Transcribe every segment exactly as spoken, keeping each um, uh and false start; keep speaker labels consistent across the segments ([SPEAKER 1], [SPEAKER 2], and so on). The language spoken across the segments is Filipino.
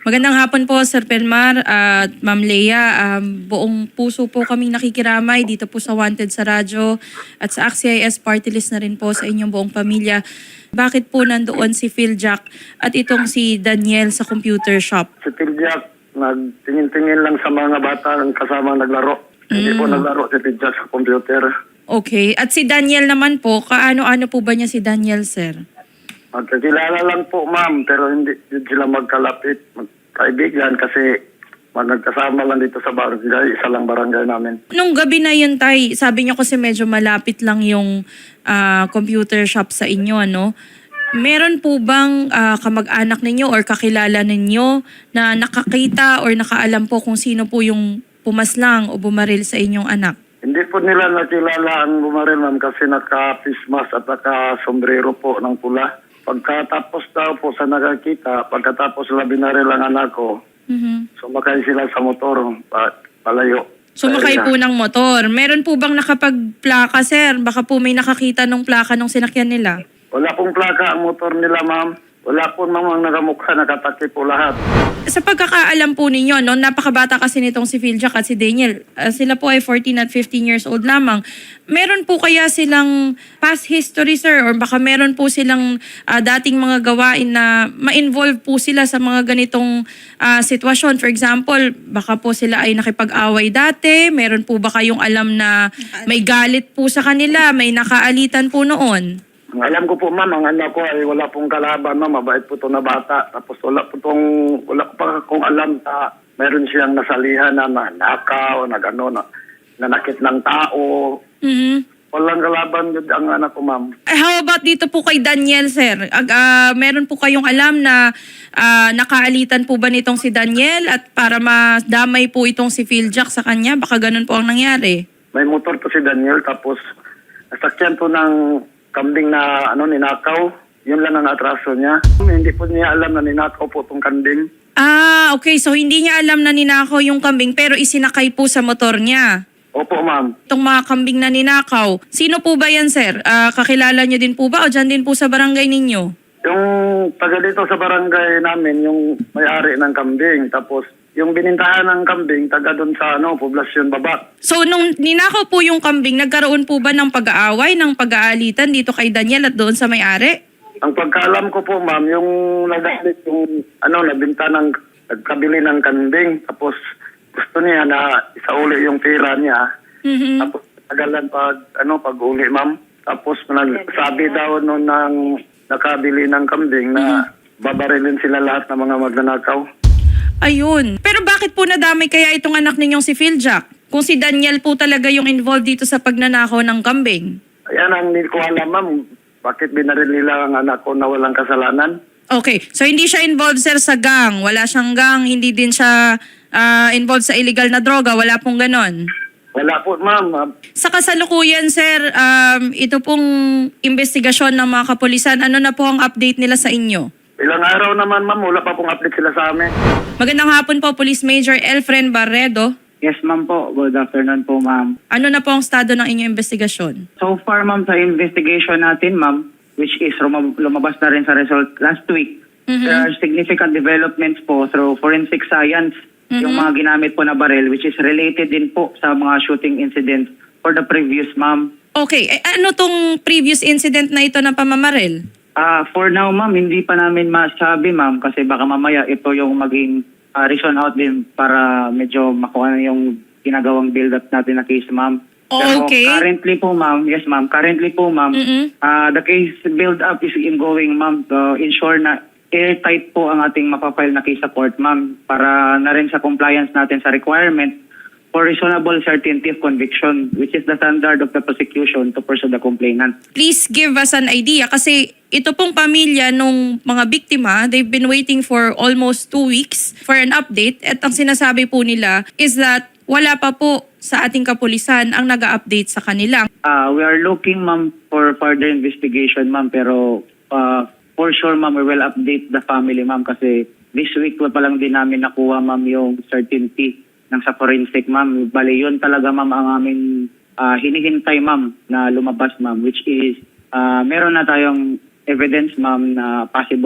[SPEAKER 1] Magandang hapon po, Sir Pelmar at Ma'am Lea. Um, buong puso po kaming nakikiramay dito po sa Wanted sa radyo at sa A C C I S Party List na rin po sa inyong buong pamilya. Bakit po nandoon si Phil Jack at itong si Daniel sa computer shop?
[SPEAKER 2] Si Piljack, nagtingin-tingin lang sa mga bata ang kasama naglaro. Hindi po naglaro si Piljack sa computer.
[SPEAKER 1] Okay. At si Daniel naman po, kaano-ano po ba niya si Daniel, sir?
[SPEAKER 2] Magkakilala lang po, ma'am, pero hindi, hindi sila magkalapit, magkaibigan kasi nagkasama lang dito sa barangay, isa lang barangay namin.
[SPEAKER 1] Nung gabi na yun, tay, sabi niyo kasi medyo malapit lang yung ah, computer shop sa inyo, ano? Meron po bang ah, kamag-anak ninyo or kakilala ninyo na nakakita or nakaalam po kung sino po yung pumaslang o bumaril sa inyong anak?
[SPEAKER 2] Hindi po nila nakilala ang bumaril, ma'am, kasi naka-face mask at naka-sombrero po ng pula. Pagkatapos daw po sa nakakita, pagkatapos sila binaril ang anak ko,
[SPEAKER 1] Mhm.
[SPEAKER 2] sumakay sila sa motor, pa, palayo.
[SPEAKER 1] Sumakay
[SPEAKER 2] Sa
[SPEAKER 1] po
[SPEAKER 2] area.
[SPEAKER 1] ng motor. Meron po bang nakapagplaka, sir? Baka po may nakakita ng plaka nung sinakyan nila.
[SPEAKER 2] Wala pong plaka ang motor nila, ma'am. Wala po namang nakamukha, nakataki po lahat.
[SPEAKER 1] Sa pagkakaalam po ninyo, no, napakabata kasi nitong si Phil Jack at si Daniel. Ah, sila po ay fourteen at fifteen years old lamang. Meron po kaya silang past history, sir? Or baka meron po silang ah, dating mga gawain na ma-involve po sila sa mga ganitong ah, sitwasyon? For example, baka po sila ay nakipag-away dati. Meron po ba kayong alam na may galit po sa kanila? May nakaalitan po noon?
[SPEAKER 2] Ang alam ko po, ma'am, ang anak ko ay wala pong kalaban, ma'am. Mabait po ito na bata. Tapos wala po tong, wala ko pa kung alam na meron siyang nasalihan na nakaw, na gano'n, na nanakit ng tao.
[SPEAKER 1] Mhm.
[SPEAKER 2] Walang kalaban yun ang anak ko, ma'am.
[SPEAKER 1] Eh, how about dito po kay Daniel, sir? Ag, ah, meron po kayong alam na ah, nakaalitan po ba nitong si Daniel at para madamay po itong si Phil Jack sa kanya? Baka ganun po ang nangyari.
[SPEAKER 2] May motor po si Daniel, tapos nasakyan po ng kambing na ano ninakaw. Yun lang ang atraso niya. Hindi po niya alam na ninakaw po itong kambing.
[SPEAKER 1] Ah, okay. So, hindi niya alam na ninakaw yung kambing pero isinakay po sa motor niya.
[SPEAKER 2] Opo, ma'am.
[SPEAKER 1] Itong mga kambing na ninakaw. Sino po ba yan, sir? Ah, kakilala niyo din po ba o dyan din po sa barangay ninyo?
[SPEAKER 2] Yung taga dito sa barangay namin, yung may-ari ng kambing. Tapos yung binintahan ng kambing, taga doon sa ano, poblasyon Babak.
[SPEAKER 1] So, nung ninakaw po yung kambing, nagkaroon po ba ng pag-aaway, ng pag-aalitan dito kay Daniel at doon sa may-ari?
[SPEAKER 2] Ang pagkaalam ko po, ma'am, yung nagalit yung ano, nabinta ng, nagkabili ng kambing. Tapos gusto niya na isauli yung pera niya.
[SPEAKER 1] Mhm.
[SPEAKER 2] Tapos tagalan pag, ano, pag-uli, ma'am. Tapos nagsabi daw noon ng nakabili ng kambing na babarilin sila lahat ng mga magnanakaw.
[SPEAKER 1] Ayun. Pero bakit po nadamay kaya itong anak ninyong si Phil Jack? Kung si Daniel po talaga yung involved dito sa pagnanakaw ng kambing.
[SPEAKER 2] Ayan ang hindi ko alam, ma'am. Bakit binaril nila ang anak ko na walang kasalanan?
[SPEAKER 1] Okay. So hindi siya involved, sir, sa gang. Wala siyang gang. Hindi din siya ah, involved sa illegal na droga. Wala pong ganon.
[SPEAKER 2] Wala po, ma'am.
[SPEAKER 1] Sa kasalukuyan, sir, um, ito pong investigasyon ng mga kapulisan, ano na po ang update nila sa inyo?
[SPEAKER 2] Ilang araw naman, ma'am. Wala pa pong update sila sa amin.
[SPEAKER 1] Magandang hapon po, Police Major Elfren Barredo.
[SPEAKER 3] Yes, ma'am po. Good afternoon po, ma'am.
[SPEAKER 1] Ano na po ang estado ng inyong investigasyon?
[SPEAKER 3] So far, ma'am, sa investigation natin, ma'am, which is lumab- lumabas na rin sa result last week,
[SPEAKER 1] Mhm.
[SPEAKER 3] there are significant developments po through forensic science,
[SPEAKER 1] Mhm.
[SPEAKER 3] yung mga ginamit po na barrel, which is related din po sa mga shooting incidents for the previous, ma'am.
[SPEAKER 1] Okay. Eh, ano tong previous incident na ito ng pamamaril?
[SPEAKER 3] Ah, for now, ma'am, hindi pa namin masabi, ma'am, kasi baka mamaya ito yung maging ah, reason out din para medyo makuha na yung ginagawang build-up natin na case, ma'am. Pero
[SPEAKER 1] Okay.
[SPEAKER 3] currently po, ma'am, yes, ma'am, currently po, ma'am,
[SPEAKER 1] Mhm.
[SPEAKER 3] ah, the case build-up is ongoing, ma'am, to ensure na airtight po ang ating mapapile na case sa court, ma'am, para na rin sa compliance natin sa requirement for reasonable certainty of conviction, which is the standard of the prosecution to pursue the complainant.
[SPEAKER 1] Please give us an idea kasi ito pong pamilya nung mga biktima, they've been waiting for almost two weeks for an update at ang sinasabi po nila is that wala pa po sa ating kapulisan ang nag-update sa kanila.
[SPEAKER 3] Uh, we are looking, ma'am, for further investigation, ma'am, pero uh, for sure, ma'am, we will update the family, ma'am, kasi this week pa lang din namin nakuha, ma'am, yung certainty ng sa forensic, ma'am. Bali, yun talaga, ma'am, ang aming uh, hinihintay, ma'am, na lumabas, ma'am, which is uh, meron na tayong evidence, ma'am, na possible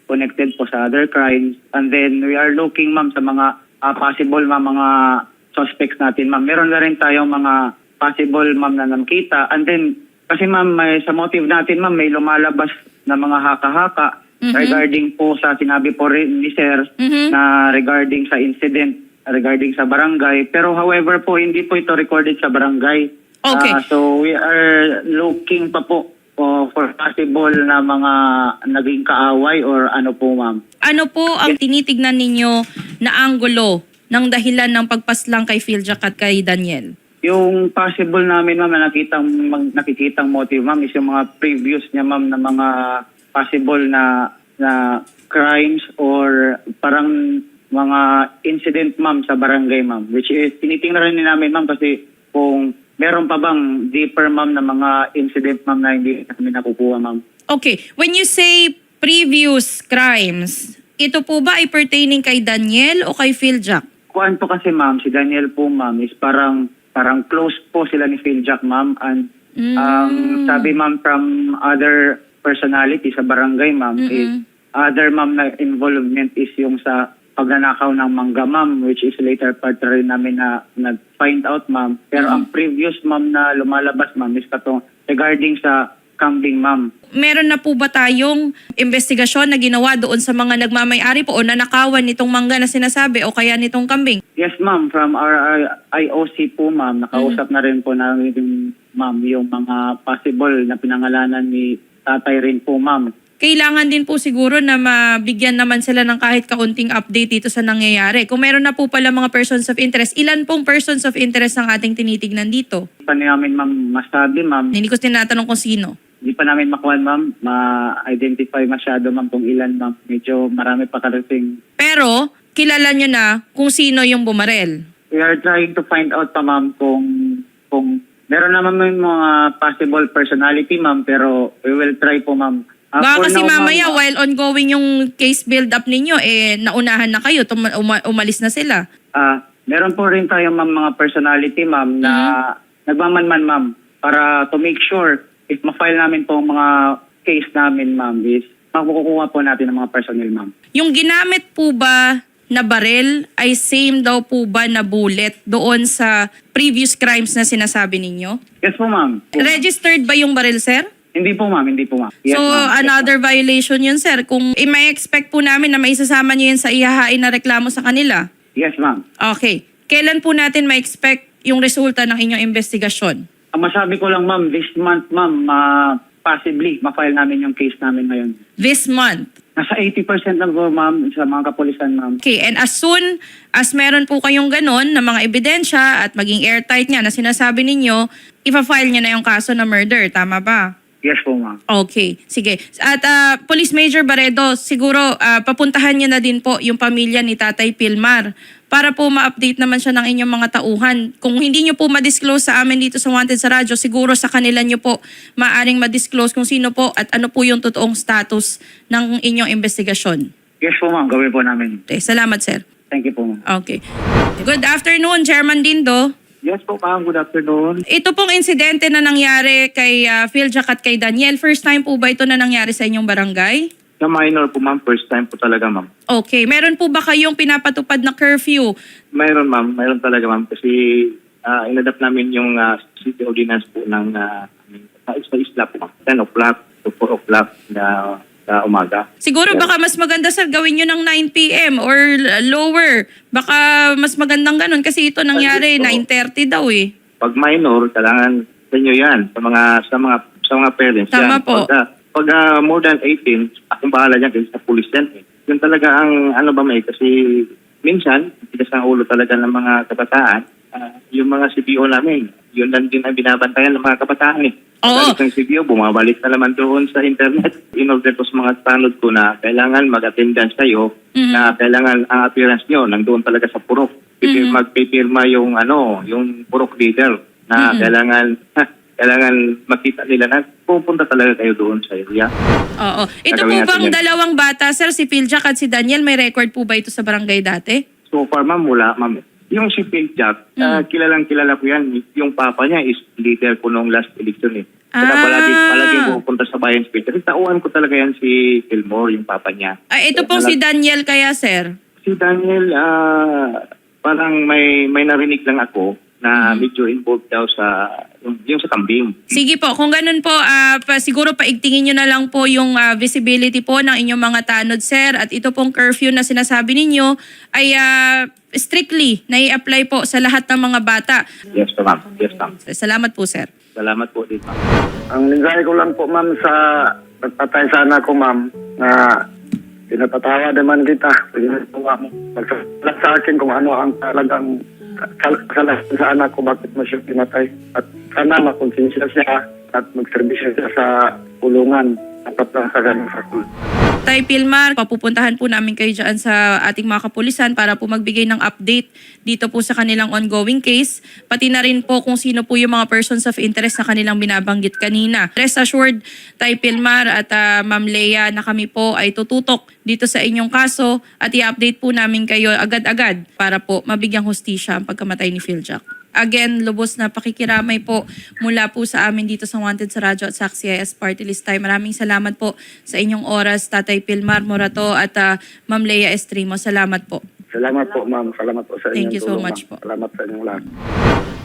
[SPEAKER 3] connected po sa other crimes. And then we are looking, ma'am, sa mga ah, possible, ma'am, mga suspects natin, ma'am. Meron na rin tayong mga possible, ma'am, na nakita. And then, kasi, ma'am, may, sa motive natin, ma'am, may lumalabas na mga haka-haka
[SPEAKER 1] Mhm.
[SPEAKER 3] regarding po sa sinabi po rin ni Sir
[SPEAKER 1] Mhm.
[SPEAKER 3] na regarding sa incident, regarding sa barangay. Pero however po, hindi po ito recorded sa barangay.
[SPEAKER 1] Okay.
[SPEAKER 3] Ah, so we are looking pa po po for possible na mga naging kaaway or ano po, ma'am.
[SPEAKER 1] Ano po ang tinitignan ninyo na anggulo ng dahilan ng pagpaslang kay Philjak at kay Daniel?
[SPEAKER 3] Yung possible namin, ma'am, na nakitang, mag, nakikitang motive, ma'am, is yung mga previous niya, ma'am, na mga possible na na crimes or parang mga incident, ma'am, sa barangay, ma'am. Which is, tinitingnan rin namin, ma'am, kasi kung meron pa bang deeper, ma'am, na mga incident, ma'am, na hindi namin nakukuha, ma'am.
[SPEAKER 1] Okay, when you say previous crimes, ito po ba ay pertaining kay Daniel o kay Philjak?
[SPEAKER 3] Kuan po kasi, ma'am, si Daniel po, ma'am, is parang parang close po sila ni Philjak, ma'am. And
[SPEAKER 1] Mm.
[SPEAKER 3] ang sabi, ma'am, from other personality sa barangay, ma'am,
[SPEAKER 1] Mm-mm.
[SPEAKER 3] is other, ma'am, na involvement is yung sa pagnanakaw ng mangga, ma'am, which is later part rin namin na nag-find out, ma'am. Pero ang previous, ma'am, na lumalabas, ma'am, is katong regarding sa kambing, ma'am.
[SPEAKER 1] Meron na po ba tayong investigasyon na ginawa doon sa mga nagmamay-ari po o nanakawan nitong mangga na sinasabi o kaya nitong kambing?
[SPEAKER 3] Yes, ma'am, from our I O C po, ma'am, nakausap na rin po namin, ma'am, yung mga possible na pinangalanan ni tatay rin po, ma'am.
[SPEAKER 1] Kailangan din po siguro na mabigyan naman sila ng kahit kaunting update dito sa nangyayari. Kung meron na po pala mga persons of interest, ilan pong persons of interest ang ating tinitignan dito?
[SPEAKER 3] Hindi pa namin, ma'am, masabi, ma'am.
[SPEAKER 1] Hindi ko tinatanong kung sino.
[SPEAKER 3] Hindi pa namin makuha, ma'am, ma-identify masyado, ma'am, kung ilan, ma'am. Medyo marami pa karating.
[SPEAKER 1] Pero, kilala nyo na kung sino yung bumarel.
[SPEAKER 3] We are trying to find out pa, ma'am, kung, kung meron naman may mga possible personality, ma'am, pero we will try po, ma'am. Ah,
[SPEAKER 1] Baka
[SPEAKER 3] for
[SPEAKER 1] kasi
[SPEAKER 3] now,
[SPEAKER 1] mamaya,
[SPEAKER 3] ma'am,
[SPEAKER 1] while ongoing yung case build-up ninyo, eh, naunahan na kayo, tuma- uma- umalis na sila.
[SPEAKER 3] Ah, meron po rin tayong, ma'am, mga personality, ma'am, na
[SPEAKER 1] Mm-hmm.
[SPEAKER 3] nagmamanman, ma'am, para to make sure if ma-file namin po ang mga case namin, ma'am, is makukuha po natin ng mga personnel, ma'am.
[SPEAKER 1] Yung ginamit po ba na barel ay same daw po ba na bullet doon sa previous crimes na sinasabi ninyo?
[SPEAKER 3] Yes po, ma'am.
[SPEAKER 1] Registered ba yung barel, sir?
[SPEAKER 3] Hindi po, ma'am. Hindi po, ma'am. Yes,
[SPEAKER 1] So,
[SPEAKER 3] ma'am. Yes,
[SPEAKER 1] another violation yun, sir. Kung i- may expect po namin na may isasama nyo yun sa ihahain na reklamo sa kanila.
[SPEAKER 3] Yes, ma'am.
[SPEAKER 1] Okay. Kailan po natin ma-expect yung resulta ng inyong investigasyon?
[SPEAKER 3] Ang masabi ko lang, ma'am, this month, ma'am, ma- possibly, ma-file namin yung case namin ngayon.
[SPEAKER 1] This month.
[SPEAKER 3] Nasa eighty percent na po, ma'am, sa mga kapulisan, ma'am.
[SPEAKER 1] Okay, and as soon as meron po kayong ganon na mga ebidensya at maging airtight nga na sinasabi ninyo, ipa-file nyo na yung kaso na murder. Tama ba?
[SPEAKER 3] Yes po, ma'am.
[SPEAKER 1] Okay, sige. At ah, Police Major Barredo, siguro ah, papuntahan niyo na din po yung pamilya ni Tatay Pilmar para po ma-update naman siya ng inyong mga tauhan. Kung hindi niyo po ma-disclose sa amin dito sa Wanted sa Radyo, siguro sa kanila niyo po maaring ma-disclose kung sino po at ano po yung totoong status ng inyong investigasyon.
[SPEAKER 3] Yes po, ma'am. Gawin po namin.
[SPEAKER 1] Okay, salamat, sir.
[SPEAKER 3] Thank you po, ma'am.
[SPEAKER 1] Okay. Good afternoon, Chairman Dindo.
[SPEAKER 3] Yes po, ma'am. Good afternoon.
[SPEAKER 1] Ito pong insidente na nangyari kay uh, Philjak at kay Daniel, first time po ba ito na nangyari sa inyong barangay?
[SPEAKER 4] Sa minor po, ma'am. First time po talaga, ma'am.
[SPEAKER 1] Okay. Meron po ba kayong pinapatupad na curfew?
[SPEAKER 4] Mayroon, ma'am. Mayroon talaga, ma'am. Kasi uh, inadapt namin yung uh, city ordinance po ng uh, sa isla-isla po, ma'am. ten o'clock to four o'clock na sa umaga.
[SPEAKER 1] Siguro baka mas maganda, sir, gawin nyo ng nine p.m. or uh, lower. Baka mas magandang ganun kasi ito nangyari
[SPEAKER 4] Ay, ito.
[SPEAKER 1] nine thirty daw eh.
[SPEAKER 4] Pag minor, kailangan sa inyo yan. Sa mga sa mga sa mga parents
[SPEAKER 1] Tama
[SPEAKER 4] yan.
[SPEAKER 1] po.
[SPEAKER 4] Pag, uh, pag uh, more than eighteen, akong bahala dyan kasi sa police yan. Eh. Yun talaga ang ano ba may kasi minsan, tigas ang ulo talaga ng mga kabataan. Uh, yung mga C B O namin, yun lang din ang binabantayan ng mga kabataan eh.
[SPEAKER 1] Oo.
[SPEAKER 4] Pagkalit ng C B O, bumabalik na naman doon sa internet. In order po sa mga tanod ko na kailangan mag-attendance kayo,
[SPEAKER 1] Mhm.
[SPEAKER 4] na kailangan ang appearance nyo nandoon talaga sa purok.
[SPEAKER 1] Mhm.
[SPEAKER 4] Magpipirma yung ano, yung purok leader na
[SPEAKER 1] Mhm.
[SPEAKER 4] kailangan ha, kailangan makita nila na pupunta talaga kayo doon sa area.
[SPEAKER 1] Oo. Ito po
[SPEAKER 4] Gagawin natin
[SPEAKER 1] bang
[SPEAKER 4] yan.
[SPEAKER 1] dalawang bata, sir, si Philjak at si Daniel, may record po ba ito sa barangay dati?
[SPEAKER 4] So far, ma'am, wala, ma'am. Yung si Phil Jack,
[SPEAKER 1] Mm.
[SPEAKER 4] ah, kilalang kilala ko yan. Yung papa niya is leader ko nung last election eh. Kaya
[SPEAKER 1] Ah.
[SPEAKER 4] palagi, palagi pupunta sa bayan speech. Kasi tauhan ko talaga yan si Fillmore, yung papa niya.
[SPEAKER 1] Ay, ito pong si Daniel kaya, sir.
[SPEAKER 4] Si Daniel, ah, parang may may narinig lang ako na medyo involved daw sa yung, yung sa kambing.
[SPEAKER 1] Sige po, kung ganun po, ah, pa, siguro paigtingin nyo na lang po yung ah, visibility po ng inyong mga tanod, sir. At ito pong curfew na sinasabi ninyo ay ah, strictly nai-apply po sa lahat ng mga bata.
[SPEAKER 4] Yes, ma'am. Yes, ma'am.
[SPEAKER 1] Salamat po, sir.
[SPEAKER 4] Salamat po dito.
[SPEAKER 2] Ang mensahe ko lang po, ma'am, sa nagpatay sana ko, ma'am, na pinapatawa naman kita. Magsasalat sa akin kung ano ang talagang kasalanan sa anak ko, bakit mo siya pinatay. At sana makonsensya siya at magserbisyo siya sa kulungan. Dapat lang sa ganun sa kulungan.
[SPEAKER 1] Tay Pilmar, papupuntahan po namin kayo dyan sa ating mga kapulisan para po magbigay ng update dito po sa kanilang ongoing case. Pati na rin po kung sino po yung mga persons of interest na kanilang binabanggit kanina. Rest assured, Tay Pilmar at uh, Ma'am Lea, na kami po ay tututok dito sa inyong kaso at i-update po namin kayo agad-agad para po mabigyang hustisya ang pagkamatay ni Philjak. Again, lubos na pakikiramay po mula po sa amin dito sa Wanted sa Radyo at sa C I S Party List Time. Maraming salamat po sa inyong oras, Tatay Pilmar Morato at uh, Ma'am Lea Estremo. Salamat po.
[SPEAKER 2] Salamat po, ma'am. Salamat po sa inyong
[SPEAKER 1] Thank you so
[SPEAKER 2] tulong,
[SPEAKER 1] much
[SPEAKER 2] ma'am.
[SPEAKER 1] po.
[SPEAKER 2] Salamat sa inyong lahat.